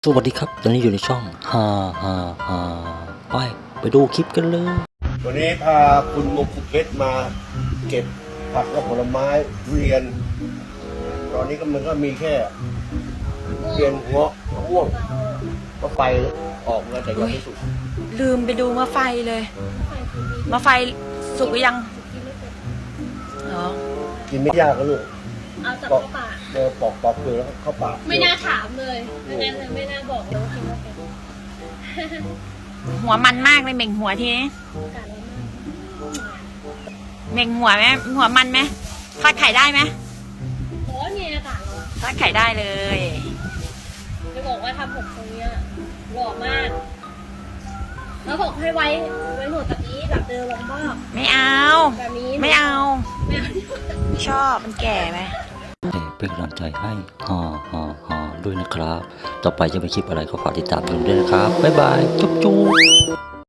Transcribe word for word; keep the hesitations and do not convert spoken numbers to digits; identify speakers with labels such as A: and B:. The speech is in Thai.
A: สวัสดีครับตอนนี้อยู่ในช่องฮ่าฮ่าฮ่าไปไปดูคลิปกันเลย
B: วันนี้พาคุณมงคุเพชรมาเก็บผักและผลไม้ทุเรียน ตอนนี้ก็มันก็มีแค่ทุเรียนเงาะมะม่วงมะไฟออกแล้วแต่ยังไม่สุก
C: ลืมไปดูมะไฟเลยมะไฟสุกหรือยังเหรอ
B: กินไม่ยากก็ลูก
D: เอาจาก
B: ปอก
D: เข้าปาก
B: เออปอกปอกเปลือกแล้วก็เข้าปาก
D: ไม่น่าถามเลยไม่น่าเลยไม่น่าบอกเลยว่ากินว่าเป็น
C: หัวมันมากเลยเหม่งหัวทีนี้
D: การอะไรมาก
C: เหม่งหัวไหมหัวมันไหมทอดไข่ได้ไหม
D: ร้อนไงอากาศร้อน
C: ทอดไข่ได้เลย
D: จะบอกว่าทำผมตรงเนี้ยหล่อมากแล้วบอกให้ไว้ไว้หนวดแบบนี้แบบเดิมลงบ้าง
C: ไม่เอา
D: แบบนี้
C: ไม่เอา
D: ไม่เอา
C: ไม่ชอบมันแก่ไหม
A: แต่เป็นกำลังใจให้ฮ่าฮ่าฮ่าด้วยนะครับ ต่อไปจะเป็นคลิปอะไรก็ฝากติดตามดูด้วยนะครับบ๊ายบายจุ๊บจุ๊บ